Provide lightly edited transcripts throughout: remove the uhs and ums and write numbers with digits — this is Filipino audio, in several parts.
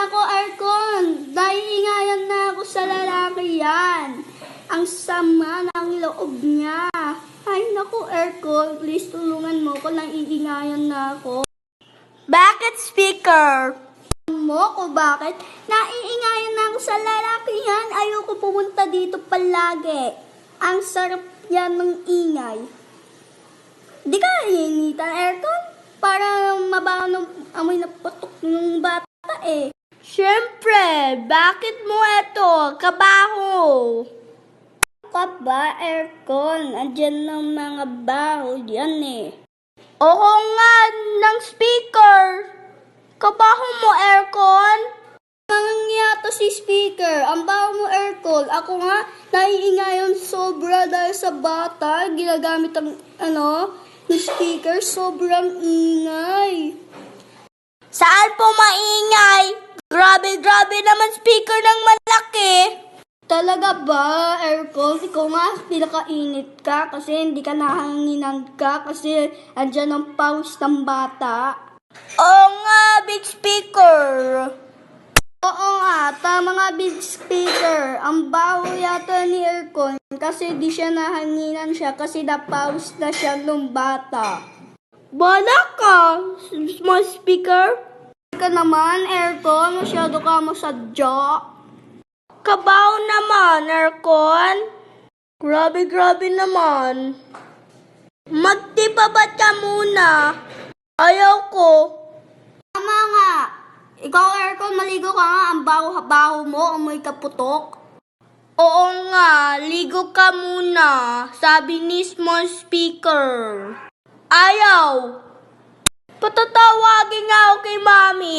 nako, aircon. Naiingayan na ako sa lalaki yan. Ang sama ng loob niya. Ay nako, aircon. Please tulungan mo ko. Naiingayan na ako. Bakit, speaker? Mo ko bakit? Naiingayan na ako sa lalaki yan. Ayoko pumunta dito palagi. Ang sarap yan ng ingay. Di ka initan, aircon? Para mabaho ng amoy na putok ng bata eh. Siyempre, bakit mo eto? Kabaho. Ka ba, aircon? Andyan ng mga baho yan eh. Oo nga, ng speaker. Kabaho mo, aircon? Nangyayata si speaker. Ang baho mo, aircon. Ako nga, naiingayon sobra dahil sa bata. Ginagamit ang, ng speaker. Sobrang ingay. Saan po maingay? Grabe naman speaker ng malaki. Talaga ba, aircon? Ikaw nga, pinakainit ka kasi hindi ka nahanginan ka kasi andyan ang pawis ng bata. Oo nga, big speaker. Oo nga, tama nga big speaker. Ang baho yata ni aircon kasi di siya nahanginan siya kasi napawis na siya nung bata. Bala ka, small speaker. Ka naman, aircon, masyado ka masadya. Kabaho naman, aircon. Grabe naman. Magtipabat ka muna. Ayaw ko. Tama nga. Ikaw, aircon, maligo ka nga. Ang baho-baho mo, amoy kaputok. Oo nga, ligo ka muna. Sabi ni small speaker. Ayaw. Patatawagin nga ako kay Mami.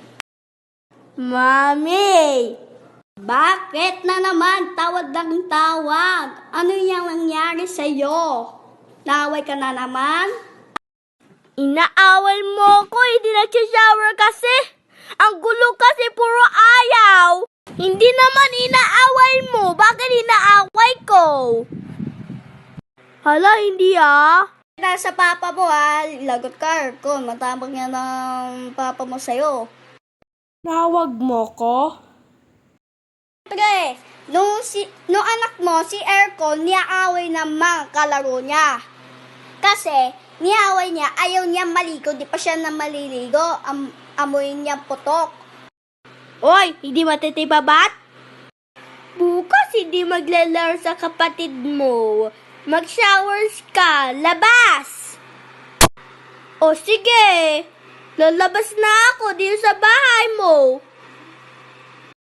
Mami. Bakit na naman? Tawad ng tawad. Ano yung nangyari sa'yo? Naway ka na naman? Inaaway mo ko, hindi nag-shower kasi. Ang gulo kasi puro ayaw. Hindi naman inaaway mo. Bakit inaaway ko? Hala, hindi Nasa papa mo ha. Lagot ka, aircon. Matapang yan ng papa mo sa'yo. Tawag mo ko? Pre, nung anak mo, si aircon, niyaaway ng mga kalaro niya. Kasi, niyaaway niya, ayaw niya maligo, di pa siya na maliligo, amoy niya putok. Oy, hindi matitibabat? Bukas hindi maglalaro sa kapatid mo. Mag-showers ka, labas! O sige, lalabas na ako dito sa bahay mo.